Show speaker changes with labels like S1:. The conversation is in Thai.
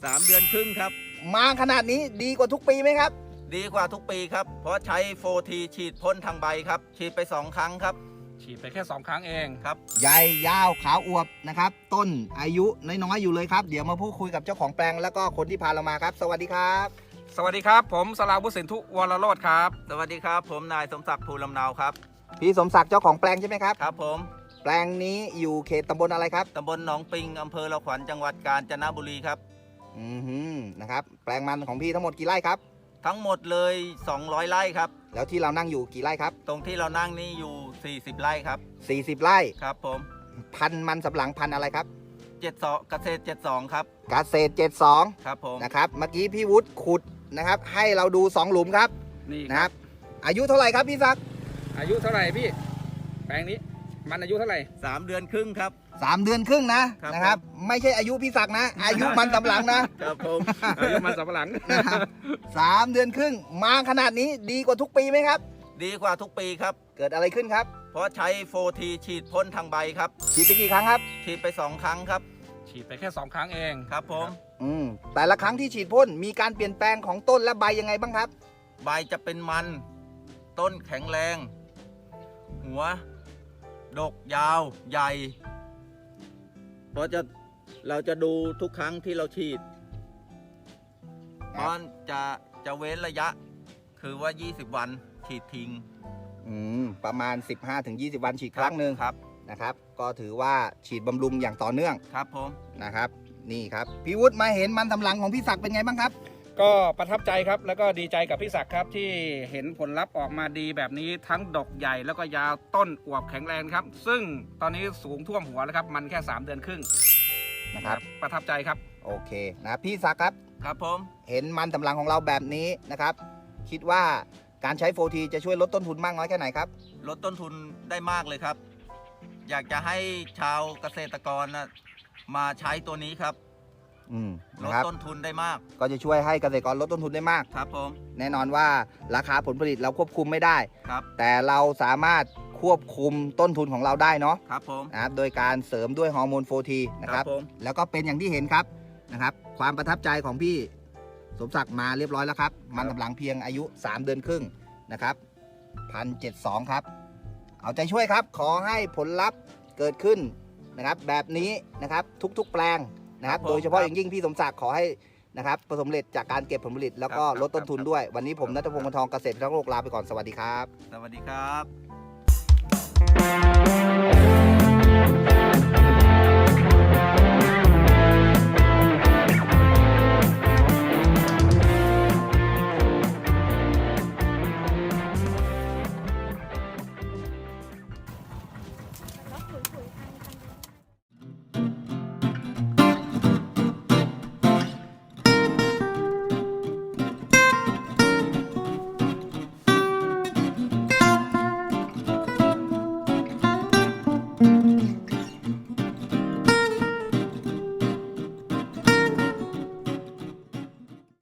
S1: 3 เดือนครึ่งครับ
S2: มาขนาดนี้ดีกว่าทุกปีไหมครับ
S1: ดีกว่าทุกปีครับเพราะใช้โฟทีฉีดพ่นทางใบครับฉีดไป2 ครั้งครับ
S3: ฉีดไปแค่2 ครั้งเอง
S1: ครับ
S2: ใหญ่ยาวขาวอวบนะครับต้นอายุน้อยๆอยู่เลยครับเดี๋ยวมาพูดคุยกับเจ้าของแปลงแล้วก็คนที่พาเรามาครับสวัสดีครับ
S3: สวัสดีครับผมสราวุฒิสินธุวรโรจน์ครับ
S1: สวัสดีครับผมนายสมศักดิ์ภูลำเนาครับ
S2: พี่สมศักดิ์เจ้าของแปลงใช่ไหมครับ
S1: ครับผม
S2: แปลงนี้อยู่เขตตำบลอะไรครับ
S1: ตำบลหนองปิงอำเภอละขวัญจังหวัดกาญจนบุรีครับ
S2: นะครับแปลงมันของพี่ทั้งหมดกี่ไร่ครับ
S1: ทั้งหมดเลย200 ไร่ครับ
S2: แล้วที่เรานั่งอยู่กี่ไร่ครับ
S1: ตรงที่เรานั่งนี่อยู่40 ไร่ครับ
S2: 40 ไร่
S1: ครับผม
S2: พันธุ์มันสำปะหลังพันธุ์อะไรครับ
S1: 72เกษตร72ครับ
S2: เกษตร72
S1: ครับผม
S2: นะครับเมื่อกี้พี่วุฒิขุดนะครับให้เราดู2หลุมครับ
S3: นี่
S2: นะครับอายุเท่าไหร่ครับพี่ศักดิ์
S3: อายุเท่าไหร่พี่แปลงนี้มันอายุเท่าไหร่
S1: 3 เดือนครึ่งครับ
S2: 3 เดือนครึ่งนะครับไม่ใช่อายุพี่ศักดิ์นะอายุมันสำปะหลัง
S1: นะครับผม
S3: อายุมันสำปะหลัง
S2: นะครับ3 เดือนครึ่งมาขนาดนี้ดีกว่าทุกปีไหมครับ
S1: ดีกว่าทุกปีครับ
S2: เกิดอะไรขึ้นครับ
S1: เพราะใช้โฟทีฉีดพ่นทางใบครับ
S2: ฉีดไปกี่ครั้งครับ
S1: ฉีดไป2 ครั้งครับ
S3: ฉีดไปแค่2 ครั้งเอง
S1: ครับผม
S2: แต่ละครั้งที่ฉีดพ่นมีการเปลี่ยนแปลงของต้นและใบยังไงบ้างครับ
S1: ใบจะเป็นมันต้นแข็งแรงหัวดกยาวใหญ่เพราะเราจะดูทุกครั้งที่เราฉีดเพราะจะเว้นระยะคือว่า20 วันฉีดทิ้ง
S2: ประมาณ 15-20 วันฉีดครั้งหนึ่ง
S1: ครับ
S2: นะครับก็ถือว่าฉีดบำรุงอย่างต่อเนื่อง
S1: ครับผม
S2: นะครับนี่ครับพี่วุฒิมาเห็นมันสำปะหลังของพี่ศักดิ์เป็นไงบ้างครับ
S3: ก็ประทับใจครับแล้วก็ดีใจกับพี่ศักดิ์ครับที่เห็นผลลัพธ์ออกมาดีแบบนี้ทั้งดอกใหญ่แล้วก็ยาวต้นอวบแข็งแรงครับซึ่งตอนนี้สูงท่วมหัวแล้วครับมันแค่3 เดือนครึ่ง
S2: นะครับ
S3: ประทับใจครับ
S2: โอเคนะพี่ศักดิ์ครับ
S1: ครับผม
S2: เห็นมันสำปะหลังของเราแบบนี้นะครับคิดว่าการใช้โฟทีจะช่วยลดต้นทุนมากน้อยแค่ไหนครับ
S1: ลดต้นทุนได้มากเลยครับอยากจะให้ชาวเกษตรกรมาใช้ตัวนี้ครับลดต้นทุนได้มาก
S2: ก็จะช่วยให้เกษตรกรลดต้นทุนได้มาก
S1: ครับผม
S2: แน่นอนว่าราคาผลผลิตเราควบคุมไม่ได้
S1: ครับ
S2: แต่เราสามารถควบคุมต้นทุนของเราได้เนาะ
S1: ครับผม
S2: นะครับโดยการเสริมด้วยฮอร์โมนโฟทีนะครับแล้วก็เป็นอย่างที่เห็นครับนะครับความประทับใจของพี่สมศักดิ์มาเรียบร้อยแล้วครับมันสำปะหลังเพียงอายุ3 เดือนครึ่งนะครับ1,072ครับเอาใจช่วยครับขอให้ผลลัพธ์เกิดขึ้นนะครับแบบนี้นะครับทุกๆแปลงนะครับโดยเฉพาะอย่างยิ่งพี่สมศักดิ์ขอให้นะครับประสบผลสำเร็จจากการเก็บผลผลิตแล้วก็ลดต้นทุนด้วยวันนี้ผมณัฐพงศ์ วงศ์ทองเกษตรพิทักษ์โลกลาไปก่อนสวัสดีครับ
S1: สวัสดีครับ